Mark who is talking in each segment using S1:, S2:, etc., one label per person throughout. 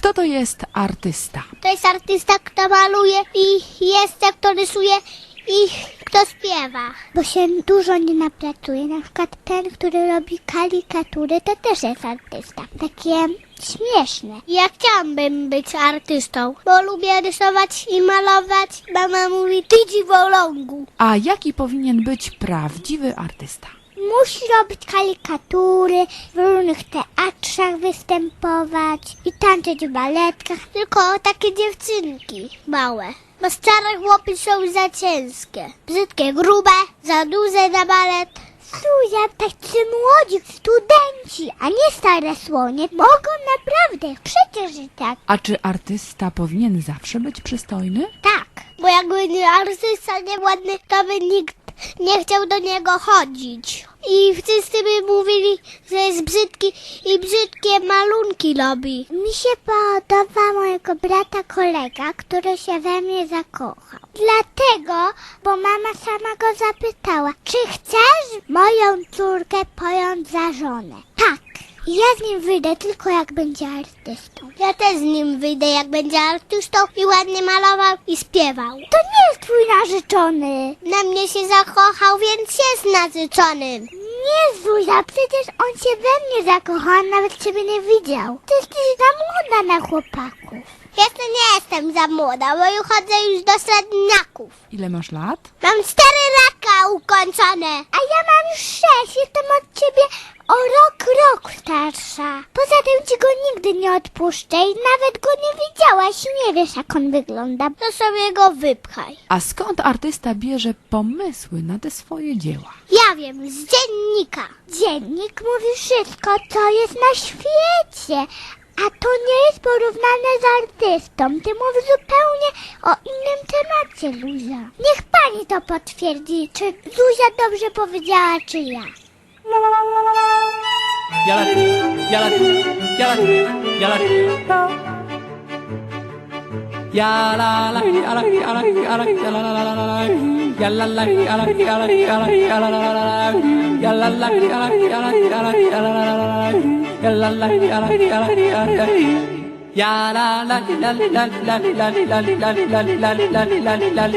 S1: Kto to jest artysta?
S2: To jest artysta, kto maluje i jest, kto rysuje i kto śpiewa. Bo się dużo nie napracuje. Na przykład ten, który robi karykatury, to też jest artysta. Takie śmieszne. Ja chciałabym być artystą, bo lubię rysować i malować. Mama mówi, ty dziwolągu.
S1: A jaki powinien być prawdziwy artysta?
S2: Musi robić karykatury, w różnych teatrzach występować i tańczyć w baletkach. Tylko takie dziewczynki małe. Bo stare chłopy są za ciężkie. Brzydkie, grube, za duże na balet. Zuzia, tacy młodzi studenci, a nie stare słonie, mogą naprawdę, przecież i tak.
S1: A czy artysta powinien zawsze być przystojny?
S2: Tak, bo jakby nie artysta nieładny, to by nikt nie chciał do niego chodzić. I wszyscy by mówili, że jest brzydki i brzydkie malunki robi. Mi się podoba mojego brata kolega, który się we mnie zakochał. Dlatego, bo mama sama go zapytała, czy chcesz moją córkę pojąć za żonę? Tak. Ja z nim wyjdę tylko jak będzie artystą. Ja też z nim wyjdę jak będzie artystą i ładnie malował i śpiewał. To nie jest twój narzeczony. Na mnie się zakochał, więc jest narzeczonym. Nie, Zuzia, przecież on się we mnie zakochał, nawet ciebie nie widział. Ty jesteś za młoda na chłopaków. Jeszcze nie jestem za młoda, bo już chodzę już do średniaków.
S1: Ile masz lat?
S2: Mam 4 lata ukończone. A ja mam już 6, jestem od ciebie o rok starsza. Poza tym ci go nigdy nie odpuszczę i nawet go nie widziałaś i nie wiesz jak on wygląda. To sobie go wypchaj.
S1: A skąd artysta bierze pomysły na te swoje dzieła?
S2: Ja wiem, z dziennika. Dziennik mówi wszystko, co jest na świecie. A to nie jest porównane z artystą. Ty mówisz zupełnie o innym temacie, Zuzia. Niech pani to potwierdzi, czy Zuzia dobrze powiedziała, czy ja.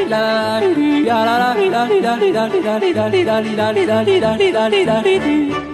S3: Ya